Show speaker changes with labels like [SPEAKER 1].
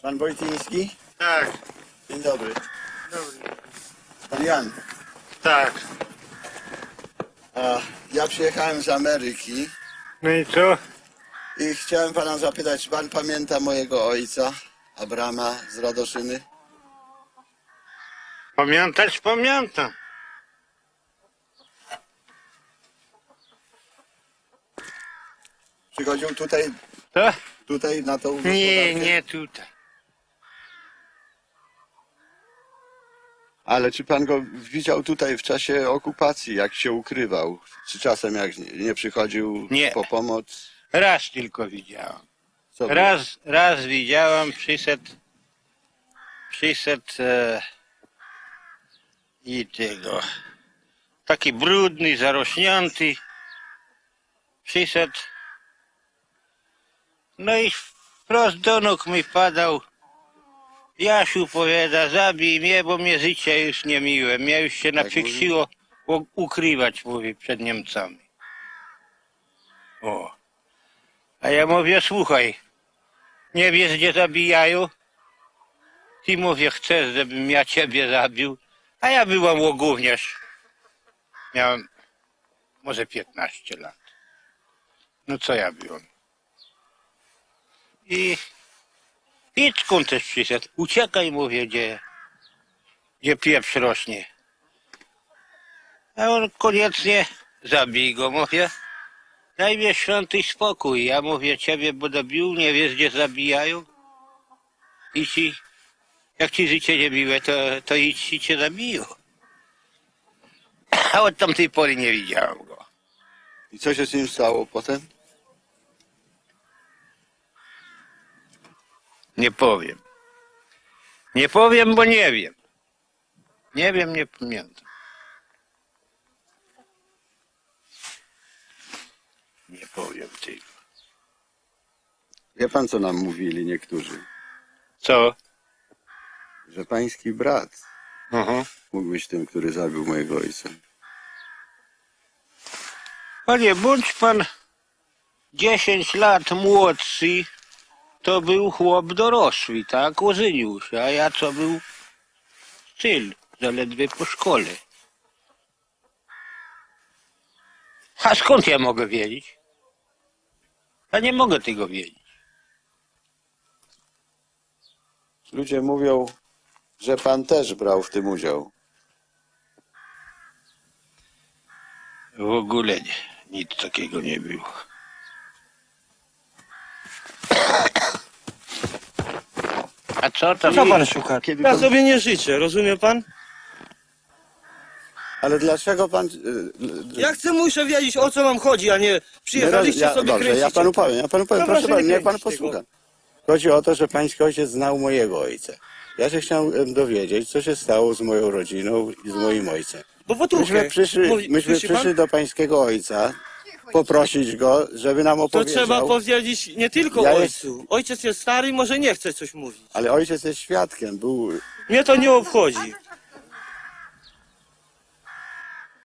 [SPEAKER 1] Pan Wojtyński?
[SPEAKER 2] Tak,
[SPEAKER 1] Dzień dobry.
[SPEAKER 2] dobry.
[SPEAKER 1] Pan Jan.
[SPEAKER 2] Tak.
[SPEAKER 1] A ja przyjechałem z Ameryki
[SPEAKER 2] No i co?
[SPEAKER 1] i chciałem pana zapytać, czy pan pamięta mojego ojca, Abrama z Radoszyny?
[SPEAKER 2] Pamiętać pamiętam.
[SPEAKER 1] Przychodził tutaj,
[SPEAKER 2] To?
[SPEAKER 1] na tą
[SPEAKER 2] Nie,
[SPEAKER 1] gospodarkę?
[SPEAKER 2] nie tutaj.
[SPEAKER 1] Ale czy pan go widział tutaj w czasie okupacji, jak się ukrywał? Czy czasem jak nie przychodził
[SPEAKER 2] Nie.
[SPEAKER 1] po pomoc?
[SPEAKER 2] Raz tylko widziałem.
[SPEAKER 1] Co było?
[SPEAKER 2] Raz widziałem, przyszedł i tego. Taki brudny, zarośnięty. Przyszedł. No i wprost do nóg mi padał. Jasiu powiada, zabij mnie, bo mnie życie już nie miłe. Mnie już się naprzyksiło ukrywać, mówi, przed Niemcami. O. A ja mówię, słuchaj, nie wiesz, gdzie zabijają? Ty, mówię, chcesz, żebym ja ciebie zabił? A ja byłem łogówniarz. Miałem może 15 lat. No co ja byłem? I Piczkun też przyszedł. Uciekaj, mówię, gdzie pieprz rośnie. A on koniecznie zabij go, mówię. Daj mi święty spokój. Ja mówię, ciebie będę bił, nie wiesz, gdzie zabijają. I ci, jak ci życie nie miłe, to idź i cię zabiją. A od tamtej pory nie widziałem go.
[SPEAKER 1] I co się z nim stało potem?
[SPEAKER 2] Nie powiem. Nie powiem, bo nie wiem. Nie wiem, nie pamiętam. Nie powiem tego.
[SPEAKER 1] Wie pan, co nam mówili niektórzy?
[SPEAKER 2] Co?
[SPEAKER 1] Że pański brat
[SPEAKER 2] Aha.
[SPEAKER 1] mógł być tym, który zabił mojego ojca.
[SPEAKER 2] Panie, bądź pan 10 lat młodszy, to był chłop dorosły, tak? Ożenił się, a ja co był styl, zaledwie po szkole. A skąd ja mogę wiedzieć? Ja nie mogę tego wiedzieć.
[SPEAKER 1] Ludzie mówią, że pan też brał w tym udział.
[SPEAKER 2] W ogóle nie, nic takiego nie było. A co tam?
[SPEAKER 3] Co pan szuka?
[SPEAKER 1] Kiedy
[SPEAKER 3] Ja
[SPEAKER 1] pan-
[SPEAKER 3] sobie nie życzę, rozumie pan?
[SPEAKER 1] Ale dlaczego pan...
[SPEAKER 3] Ja muszę wiedzieć, o co wam chodzi, a nie przyjechaliście sobie
[SPEAKER 1] dobrze,
[SPEAKER 3] kręcić.
[SPEAKER 1] ja panu powiem,
[SPEAKER 3] No
[SPEAKER 1] proszę
[SPEAKER 3] proszę
[SPEAKER 1] pana,
[SPEAKER 3] nie
[SPEAKER 1] niech pan
[SPEAKER 3] kręcić
[SPEAKER 1] posłucha. Chodzi o to, że pański ojciec znał mojego ojca. Ja się chciałem dowiedzieć, co się stało z moją rodziną i z moim ojcem.
[SPEAKER 3] Bo potruchę.
[SPEAKER 1] Myśmy przyszli do pańskiego ojca, poprosić go, żeby nam
[SPEAKER 3] To
[SPEAKER 1] opowiedział.
[SPEAKER 3] trzeba powiedzieć nie tylko
[SPEAKER 1] Ja
[SPEAKER 3] ojcu. Ojciec jest stary i może nie chce coś mówić.
[SPEAKER 1] Ale ojciec jest świadkiem, był...
[SPEAKER 3] Mnie to nie obchodzi.